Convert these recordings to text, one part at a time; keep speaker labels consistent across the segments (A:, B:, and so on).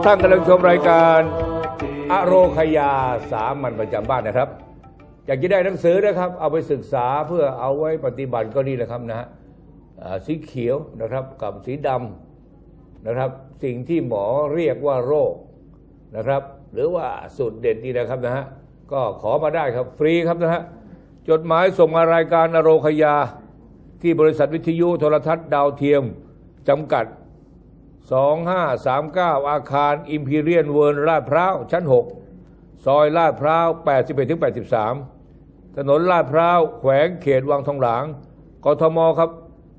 A: ท่านกำลังชมรายการอโรคยาสามัญประจำบ้านนะครับอยากจะได้หนังสือนะครับเอาไปศึกษาเพื่อเอาไว้ปฏิบัติก็นี่แหละครับนะฮะสีเขียวนะครับกับสีดำนะครับสิ่งที่หมอเรียกว่าโรคนะครับหรือว่าสูตรเด็ดนี่นะครับนะฮะก็ขอมาได้ครับฟรีครับนะฮะจดหมายส่งมารายการอโรคยาที่บริษัทวิทยุโทรทัศน์ดาวเทียมจำกัด2539อาคารอิมพีเรียนเวิร์ลลาดพร้าวชั้น6ซอยลาดพร้าว81-83ถนนลาดพร้าวแขวงเขตวังทองหลางกทมครับ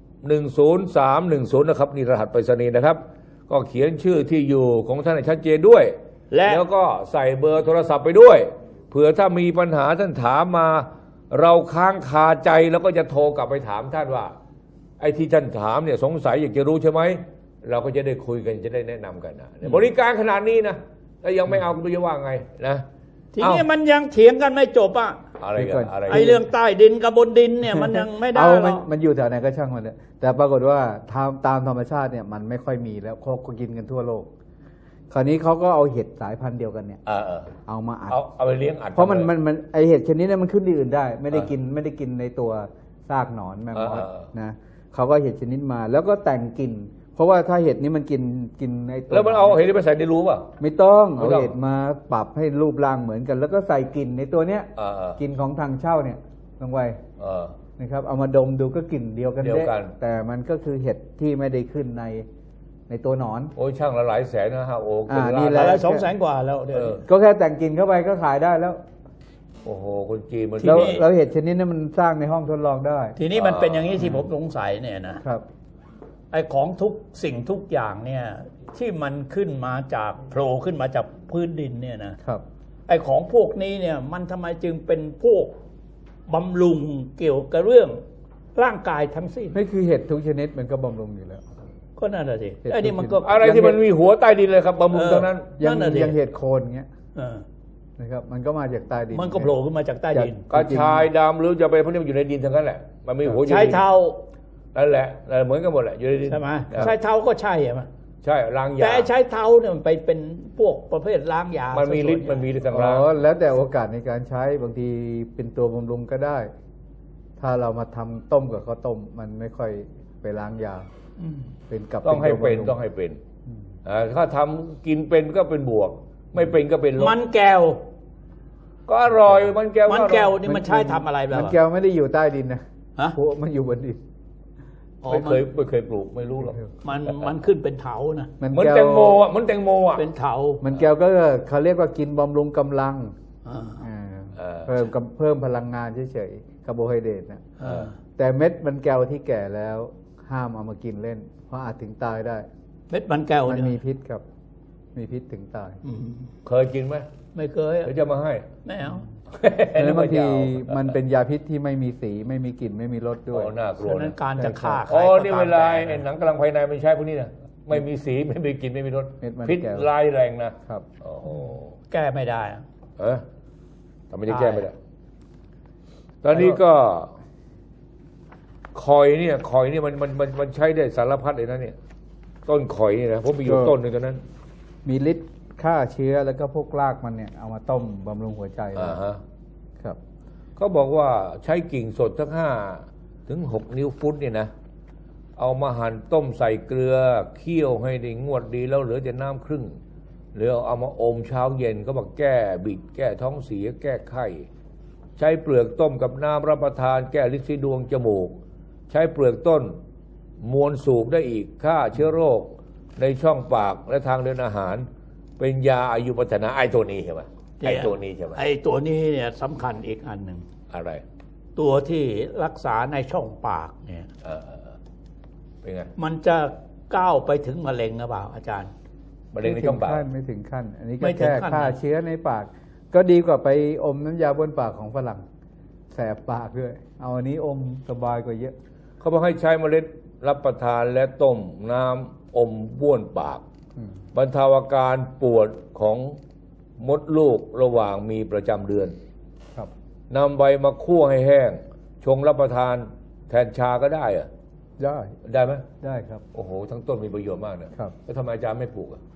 A: 10310นะครับนี่รหัสไปรษณีย์นะครับก็เขียนชื่อที่อยู่ของท่านให้ชัดเจนด้วยแล้วก็ใส่เบอร์โทรศัพท์ไปด้วยเผื่อถ้ามีปัญหาท่านถามมาเราค้างคาใจแล้วก็จะโทรกลับไปถามท่านว่าไอ้ที่ท่านถามเนี่ยสงสัยอยากจะรู้ใช่ไหมเราก็จะได้คุยกันจะได้แนะนำกันนะบริการขนาดนี้นะแล้วยังไม่เอาคุณจะว่าไงนะ
B: ทีนี้มันยังเถียงกันไม่จบอ่ะ
A: อะไรกันอะไร
B: ไอ้เรื่องใต้ดินกับบนดินเนี่ยมันยังไม่ได้หรอก
C: มันอยู่แถวไหนก็ช่างมันเนี่ยแต่ปรากฏว่าตามธรรมชาติเนี่ยมันไม่ค่อยมีแล้วเขาก็กินกันทั่วโลกคราวนี้เขาก็เอาเห็ดสายพันธุ์เดียวกันเนี่ยเอามาอัด
A: เอาไปเลี้ยงอัด
C: เพราะมันไอเห็ดชนิดนี้มันขึ้นที่อื่นได้ไม่ได้กินในตัวซากหนอนแมงมอสนะเขาก็เห็ดชนิดมาแล้วก็แต่งกลิ่นเพราะว่าถ้าเห็ดนี้มันกินในตัว
A: แล้วมันเอาเห็ดไปใส่ในรูป่ะ
C: ไม่ต้องเอาเห็ดมาปรับให้รูปร่างเหมือนกันแล้วก็ใส่กลิ่นในตัวเนี้ยกลิ่นของทางเช่าเนี่ยลงไปนะครับเอามาดมดูก็กลิ่นเดียวกันแต่มันก็คือเห็ดที่ไม่ได้ขึ้นในตัวหนอน
A: โอ้ยช่างละหลายแสนนะฮะโอ้
C: นี่
B: แหละ200,000 กว่าแล้ว
C: ก็แค่แต่งกลิ่นเข้าไปก็ขายได้แล้ว
A: โอ้โหคนจีนมัน
C: แล้วเห็ดชนิดนี้มันสร้างในห้องทดลองได้
B: ทีนี้มันเป็นอย่างนี้ที่ผมสงสัยเนี่ยนะครับไอ้ของทุกสิ่งทุกอย่างเนี่ยที่มันขึ้นมาจากโผล่ขึ้นมาจากพื้นดินเนี่ยนะครับไอ้ของพวกนี้เนี่ยมันทำไมจึงเป็นพวกบำรุงเกี่ยวกับเรื่องร่างกายทั้งสิ้น
C: ไม่คือเห็ดทุกชนิดมันก็บำรุงอยู่แล้ว
B: ก็นั่นแหละสิไอ้นี่มันก็
A: อะไรที่มันมีหัวใต้ดินเลยครับบำรุงตรงนั้น
C: ยังเห็ดโคนเงี้ยนะครับมันก็มาจากใต้ดิน
B: มันก็โผล่ขึ้นมาจากใต้ดิน
A: กระชายดำหรือจะไปพวกนี้มันอยู่ในดินทั้งนั้นแหละมันมีหัว
B: ใช้เท้า
A: นั่นแหละเหมือนกันหมดแหละอยู่ในดิน
B: ใช่ไหมใช้เท้าก็ใช่ไหม
A: ใช่ล้างยา
B: แต่ใช้เท้าเนี่ยมันไปเป็นพวกประเภทล้างยา
A: มันมีฤทธิ์มันมีฤทธิ์ต่าง
C: ๆแล้วแต่โอกาสในการใช้บางทีเป็นตัวบำรุงก็ได้ถ้าเรามาทำต้มกับข้าวต้มมันไม่ค่อยไปล้างยาเป็นกับ
A: ต้องให้เป็นถ้าทำกินเป็นก็เป็นบวกไม่เป็นก็เป็นลบ
B: มันแก้ว
A: ก็อร่อยมันแก้ว
B: นี่มันใช้ทำอะไรแบบ
C: มันแก้วไม่ได้อยู่ใต้ดินนะพวกมันอยู่บนดิน
A: ไม่เคยปลูกไม่รู้หรอก
B: มันขึ้นเป็นเถานะ
A: เหมือนแตงโมอ่ะมันแตงโมอ่ะ
B: เป็นเถา
C: มันแก้วก็เขาเรียกว่ากินบำรุงกำลังเพิ่มพลังงานเฉยๆคาร์โบไฮเดรตนะแต่เม็ดมันแก้วที่แก่แล้วห้ามเอามากินเล่นเพราะอาจถึงตายได้
B: เม็ดมันแก้ว
C: มันมีพิษครับมีพิษถึงตาย
A: เคยกินไหม
B: ไม่เคย
A: เดี๋ยวจะมาให้
B: ไม่เอา
C: แล้วบางทีมันเป็นยาพิษที่ไม่มีสีไม่มีกลิ่นไม่มีรสด้วย
A: น่ากลัว
B: นั้นการจะฆ่าใคร
A: นี่เวลาหนังกำลังภายในมันใช้พวกนี้นะไม่มีสีไม่มีกลิ่นไม่มีรสพิษร้ายแรงนะครับ
B: แก้ไม่ได้
A: ทำไมจะแก้ไม่ได้ตอนนี้ก็คอยเนี่ยมันใช้ได้สารพัดเลยนะเนี่ยต้นข่อยนี่นะผมมีอยู่ต้นหนึ่งตอนนั้น
C: มีฤทธิ์ฆ่าเชื้อแล้วก็พวกรากมันเนี่ยเอามาต้มบำรุงหัวใจครับ
A: เขาบอกว่าใช้กิ่งสดทั้ง5 ถึง 6 นิ้วฟุตเนี่ยนะเอามาหั่นต้มใส่เกลือเคี่ยวให้ได้งวดดีแล้วเหลือแต่น้ำครึ่งหรือเอามาอมเช้าเย็นก็บอกแก้บิดแก้ท้องเสียแก้ไข้ใช้เปลือกต้มกับน้ำรับประทานแก้ลิ้นดวงจมูกใช้เปลือกต้นมวนสูบได้อีกฆ่าเชื้อโรคในช่องปากและทางเดินอาหารเป็นยาอายุวัฒนะไอ้ตัวนี้ใช่ไหมไอ้ตัวนี้ใช่ไหม
B: ไอ้ตัวนี้เนี่ยสำคัญอีกอันหนึ่ง
A: อะไร
B: ตัวที่รักษาในช่องปากเนี่ย
A: เป็นไง
B: มันจะก้าวไปถึงมะเร็งหรือเปล่าอาจารย์
A: มะเร็งในช่องปาก
C: ไม่ถึงขั้นอันนี้ก็แค่ฆ่าเชื้อในปากก็ดีกว่าไปอมน้ำยาบนปากของฝรั่งแสบปากด้วยเอาอันนี้อมสบายกว่าเยอะ
A: เขาบอกให้ใช้เมล็ดรับประทานและต้มน้ำอมบ้วนปากบรรเทาอาการปวดของมดลูกระหว่างมีประจำเดือนนำใบมาคั่วให้แห้งชงรับประทานแทนชาก็ได้อะ
C: ได้
A: ไหม
C: ได้ครับ
A: โอ้โหทั้งต้นมีประโยชน์มากนะครับแล้วทำไมอาจารย์ไม่ปลูก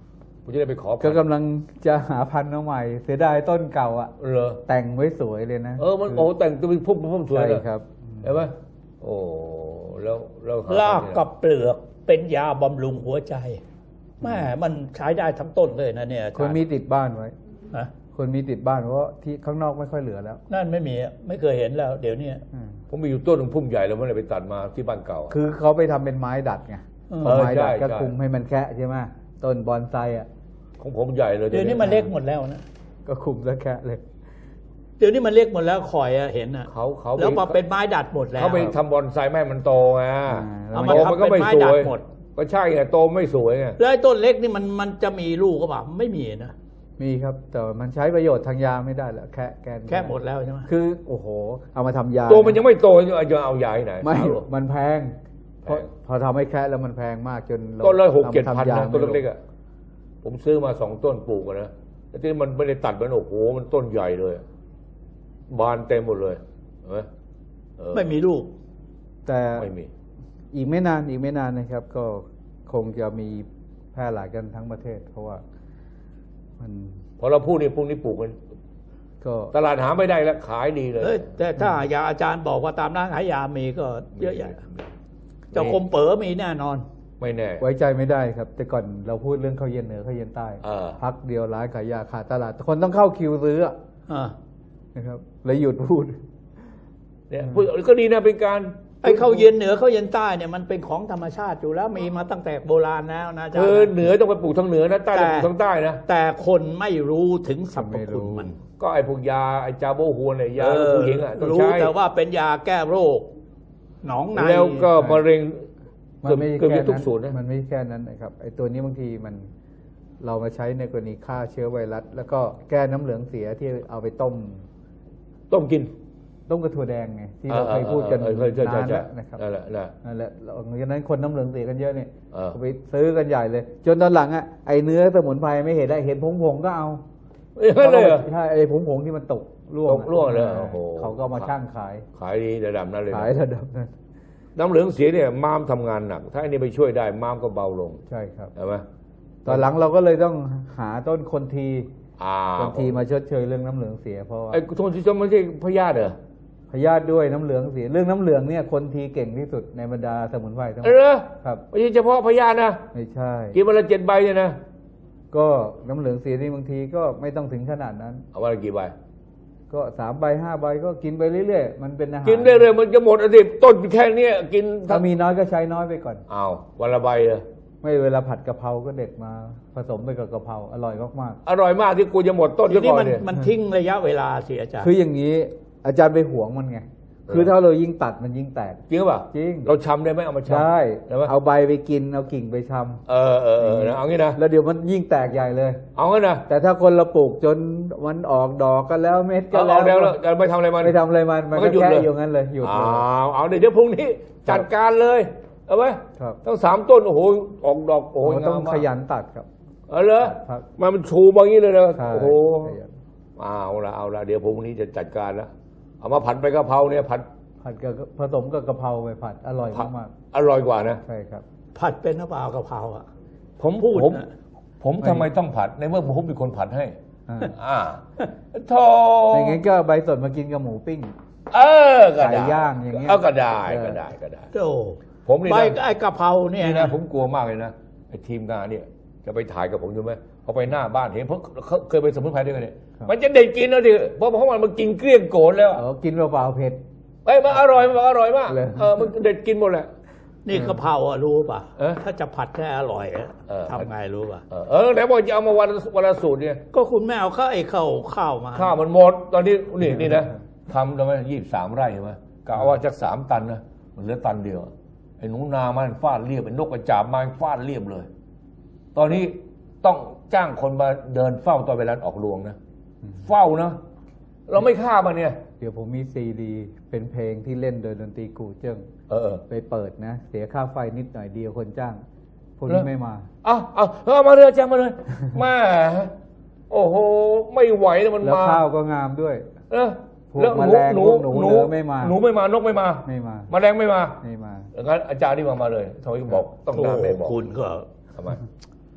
A: ผมจะได้ไปขอพัน
C: ก็
A: ธุ์
C: กำลังจะหาพันธุ์มาใหม่เสียดายต้นเก่าอ่ะ
A: เหรอ
C: แต่งไว้สวยเลยนะ
A: มันโอ้แต่งตัวเป็นพุ่มสวย
C: ใช่
A: เลย
C: ครับ
A: เห็นไหมโอ้แล้วห
B: รากกับเปลือกเป็นยาบำรุงหัวใจแม่มันใช้ได้ทั้งต้นเลยนะเนี่ยอาจารย์
C: คนมีติดบ้านไว้
B: ฮะ
C: คนมีติดบ้านเพราะที่ข้างนอกไม่ค่อยเหลือแล้ว
B: นั่นไม่มีไม่เคยเห็นแล้ว เดี๋ยวนี้
A: ผมมีอยู่ต้นหนึ่งพุ่มใหญ่แล้วไม่ได้ไปตัดมาที่บ้านเก่า
C: คือเขาไปทำเป็นไม้ดัดไง ไม้ดัดก็คุมให้มันแคะใช่ไหมต้นบอนไซอ่ะ
A: ของผมใหญ่เลย
B: เดี๋ยวนี้มันเล็กหมดแล้วนะ
C: ก็คุมแล้วแคะเลย
B: เดี๋ยวนี้มันเล็กหมดแล้วคอยเห็นอ่ะ
A: เขา
B: แล้วมาเป็นไม้ดัดหมดแล้ว
A: เขาไปทำบอนไซไม่ให้มันโตไง
B: เอามา
A: โต
B: ทำ
A: มันก็ไม่
B: เป็นไม้
A: ส
B: ดั
A: ว
B: ด
A: ย
B: หมด
A: ก็ใช่ไงโตไม่สวยไง
B: แล้วไอ้ต้นเล็กนี่มันจะมีลูกก็เปล่าไม่มีนะ
C: มีครับแต่มันใช้ประโยชน์ทางยาไม่ได้แล้วแคะแกน
B: แค่หมดแล้วใช่ไหม
C: คือโอ้โหเอามาทำยา
A: ตัวมันยังไม่โตจะเอายาที่ไหน
C: ไม่
A: เอาหรอ
C: มันแพงพอทำให้แคะแล้วมันแพงมากจนเรา
A: ต้นละ6-7
C: เอา
A: พั
C: มาน ทำยา
A: นะต้นเล็กๆอ่ะผมซื้อมา2 ต้นปลูกอะนะแต่ที่มันไม่ได้ตัดมันโอ้โหมันต้นใหญ่เลยบานเต็มหมดเลยเห็นไหม
B: ไม่มีลูก
C: แต่
A: ไม่มี
C: อีกไม่นานนะครับ ก็คงจะมีแพร่หลายกันทั้งประเทศ เพราะว่ามัน
A: พอเราพูดนี่พวกนี้ปลูกมัน
C: ก็
A: ตลาดหาไม่ได้แล้วขายดีเลย
B: แต่ถ้ายาอาจารย์บอกว่าตามร้านขายยามีก็เยอะแยะเจ้าคมเป๋อมีแน่นอน
A: ไม่แน่
C: ไว้ใจไม่ได้ครับ แต่ก่อนเราพูดเรื่องข้าวเย็นเหนือข้าวเย็นใต้ พักเดียวร้านขายยาขาดตลาดคนต้องเข้าคิวซื้ออะ
B: อ่า
C: นะครับเลยหยุดพูด
A: เนี่ยพูดก็ดีนะเป็นการ
B: ไอ้ข้าวเย็นเหนือข้าวเย็นใต้เนี่ยมันเป็นของธรรมชาติอยู่แล้วมีมาตั้งแต่โบราณแล้วนะอาจาร
A: คือ
B: ย์
A: เหนือต้องไปปลูกทางเหนือนะใต้ต้องปลูกทางใต้นะ
B: แต่คนไม่รู้ถึงสรรพคุณมัน
A: ก็ไอ้พวกยาไอ้จาโบฮัวเนี่ยยาผู้หญิงอ่ะต้อง
B: รู้
A: ใช้
B: แต่ว่าเป็นยาแก้โรคหนองใน
A: แล้วก็มะเร็ง
C: มันไม่
A: เกือบ
C: แค่
A: จะทุก
C: นั้น
A: สูตรนะ
C: มันไม่แค่นั้นนะครับไอ้ตัวนี้บางทีมันเรามาใช้ในกรณีฆ่าเชื้อไวรัสแล้วก็แก้น้ำเหลืองเสียที่เอาไปต้ม
A: ต้มกิน
C: ต้มกระถั่วแดงไงที่เราเคยพูดกัน
A: ใช่
C: นานแล้วนะครับ
A: นั่นแหละ
C: นั่นแหละหลังจากนั้นคนน้ำเหลืองเสียกันเยอะเนี่ย
A: เออ
C: ไปซื้อกันใหญ่เลย จนตอนหลังอ่ะไอ้เนื้อสมุนไพรไม่เห็นได้เห็นผงๆก็เอา
A: ไม่เลยเหรอ
C: ใช่ไอ้ผงๆที่มันตกร่วง
A: ตกร่วงเลยโอ้โห
C: เขาก็มาช่างขาย
A: ขายดีระดับนั้นเลยนะ
C: ขายระดับนั้น
A: น้ำเหลืองเสียเนี่ยม้ามทำงานหนัก ถ้าอันนี้ไปช่วยได้ม้ามก็เบาลง
C: ใช่ครับ
A: ใช่ไหม
C: ตอนหลังเราก็เลยต้องหาต้นคนที
A: อ่า
C: คนทีมาชดเชยเรื่องน้ำเหลืองเสียเพราะว่า
A: ไอ้โทนที่ชมไม่ใช่พยาธิเหรอ
C: พยาธิด้วยน้ำเหลืองเสียเรื่องน้ำเหลืองเนี่ยคนทีเก่งที่สุดในบรรดาสมุนไพรทั้งหม
A: เอ
C: ด
A: อ
C: ครับ
A: ไม่ใช่เฉพาะพยาธินะ
C: ไม่ใช่
A: กินวันละ7 ใบเนี่ยนะ
C: ก็น้ำเหลืองเสียนี่บางทีก็ไม่ต้องถึงขนาดนั้น
A: เอาวันละกี่ใบ
C: ก็3 ใบ 5 ใบก็กินไปเรื่อยๆมันเป็นอาหาร
A: กินได้เลยมันจะหมดอดีตต้นแค่เนี้ยกิน
C: ถ้ามีน้อยก็ใช้น้อยไปก่อน
A: อ้าววันละใบเลย
C: ไม่เวลาผัดกะเพราก็เด็ดมาผสมไปกับกะเพราอร่อยมาก
A: อร่อยมากที่กูจะหมดต้น
B: ที
A: ซะ
B: นี้
A: ก่อน
B: มัน
A: เนี่ย
B: มันทิ้งระยะเวลาสิอาจาร
C: ๆ
B: ย์
C: คืออย่างนี้อาจารย์ไปหวงมันไงคือถ้าเรายิ่งตัดมันยิ่งแตก
A: จริงป่ะ
C: จริง
A: เราชำได้ไหมเอามาชำ
C: ได้
A: ได้ไหม
C: เอาใบไปกินเอากิ่งไปชำ
A: เออนะเอางี้นะ
C: แล้วเดี๋ยวมันยิ่งแตกใหญ่เลย
A: เอางี้นะ
C: แต่ถ้าคนเราปลูกจนมันออกดอกกันแล้วเม็ดก็
A: เอา
C: แล้ว
A: แล้วจะไม่ทำอะไรมัน
C: ไม่ทำอะไรมัน
A: ก็
C: ก็
A: หยุด
C: แค่
A: เลย
C: อยู่งั้นเลยหยุดเลย
A: เอาเดี๋ยวพรุ่งนี้จัดการเลยเอาไหม
C: ครับ
A: ต้อง3 ต้นโอ้โหออกดอกโอ้โห
C: มันต้อง
A: งามมาก
C: ขยันตัดครับ
A: เอาเหรอ
C: ครับ
A: มันชูมาอย่างนี้เลยนะ
C: ใช่
A: โอ้โห
C: ขยัน
A: เอาละเดี๋ยวพรุ่งนี้จะจัดการแล้วเอามาผัดไปกะเพราเนี่ยผัด
C: กับผสมกับกะเพราไปผัดอร่อยมาก
A: อร่อยกว่านะ
C: ๆใช่ครับ
B: ผัดเป็นหรือเปล่ากะเพราอ่ะ
A: ผม
B: พูด
A: ผม
B: นะ
A: ผมทำไมต้องผัดในเมื่อผมเป็นคนผัดให้
C: อ่า
A: อ่าโธ่
C: อย่างงั้นก็ใบสดมากินกับหมูปิ้ง
A: ก็ได้
C: ไก่ย่างอย่างเงี้ย
A: ก็ได้
C: เออ
A: ก็ได้ก็ได้
B: โอ้
A: ผมนี่
B: ใบ
A: นะ
B: ไอ้กะเพราเนี่ย
A: นี่นะผมกลัวมากเลยนะไอ้ทีมงานเนี่ยจะไปถ่ายกับผมใช่ไหมพอไปหน้าบ้านเห็นเพราะเขาเคยไปสมุนไพรด้วยกันเนี่ยมันจะเด็ดกินแล้วดิเพราะมันกินเกลี้ยงโกนแล้ว
C: กินเปล่าๆเผ็ด
A: มันอร่อยมาก
C: เลย
A: มันเด็ดกินหมดแหละ
B: นี่กะเพราอ่ะรู้ป่ะ
A: เออ
B: ถ้าจะผัดให้อร่อยอะ
A: เออ
B: ทำไงรู้ป่ะ
A: ไหนบอกจะเอามาวันละสูตรเนี่ย
B: ก็คุณแม่เอาข้าวมา
A: ข้าวมันหมดตอนนี้นี่นะทำทำไม23 ไร่ใช่ไหมกะว่าจาก3 ตันนะมันเหลือตันเดียวไอ้หนูนามันฟาดเรียบไอ้นกกระจาบมันฟาดเรียบเลย ตอนนี้ต้องจ้างคนมาเดินเฝ้าตอนเวลาออกรวงนะเฝ้านะเราไม่ฆ่ามันเนี่ย
C: เดี๋ยวผมมีซีดีเป็นเพลงที่เล่นโดยดนตรีกูเจิ้งไปเปิดนะ เสียค่าไฟนิดหน่อยเดียวคนจ้างพวกนี้ไม่มา
A: เอามาเลยจ้างมาเลยมาโอ้โหไม่ไหวแล้วมัน
C: แล้ว
A: มา
C: ข้าวก็งามด้วย พวก
A: แล้ว
C: แมลงพวกหนูเหลือไม่มา
A: หนูไม่มานกไม่มา
C: ไม่มา
A: แมลงไม่มา
C: ไม่มา
A: งั้นอาจารย์นี่มาเลยทำไมบอกต้อง
B: โอ้
A: การไม่บอก
B: คุณก็
A: ทำไม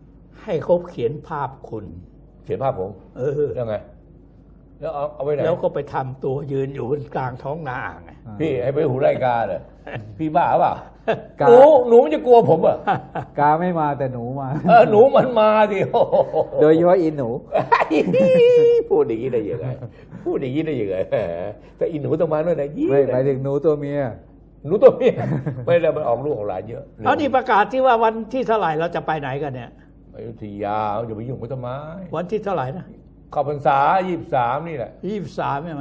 B: ให้เขาเขียนภาพคุณ
A: เขียนภาพผมแล้วไงแล้วเอาไปไหน
B: แล้วก็ไปทำตัวยืนอยู่บนกลางท้องนาไง
A: พี่ให้ไปหูรายการเลยพี่บ้าเปล่าหนูมันจะกลัวผมอ่ะ
C: กาไม่มาแต่หนูมา
A: หนูมันมาดิ
C: โดยเฉพาะอีหนู
A: พูดอย่างนี้ได้ยังไงพูดอย่างนี้ได้ยังไงแต่อีหนูต้องมาด้วยนะ
C: ไม่หมายถึงหนูตัวเมีย
A: หนูตัวเมียไม่ได้มันออกลูกของหลานเยอะ
B: เอานี่ประกาศที่ว่าวันที่เท่าไหร่เราจะไปไหนกันเนี่ย
A: อยุธยาอย่าไปยุ่งกับต้นไม้
B: วันที่เท่าไหร่นะ
A: เข้าพรรษา23นี่แหละ
B: 23ใช่ไหม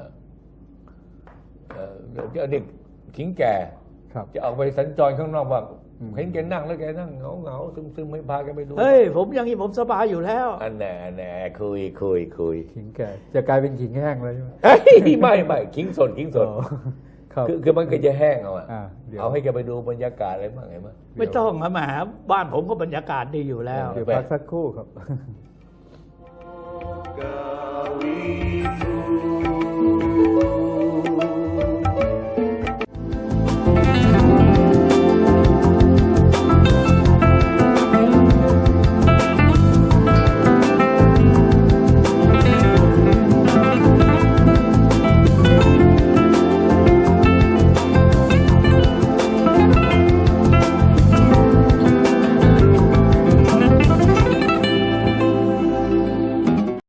A: เด็กขิงแก่จะออกไปสัญจรข้างนอกว่าเห็นแกนั่งแล้วแกนั่งเหงาซึมไม่พาแกไปดู
B: เฮ้ยผมอย่างนี้ผมสบายอยู่แล้ว
A: อันแน่คุย
C: ขิงแก่จะกลายเป็นขิงแห้งเลยใช่ไหม
A: ไม่ขิงสดคือมันก็จะแห้งเอาให้แกไปดูบรรยากาศอะไรบ้างไงมั้ย
B: ไม่ต้องมาหาบ้านผมก็บรรยากาศดีอยู่แล้ว
C: เดี๋ยวพักสักครู่ครับ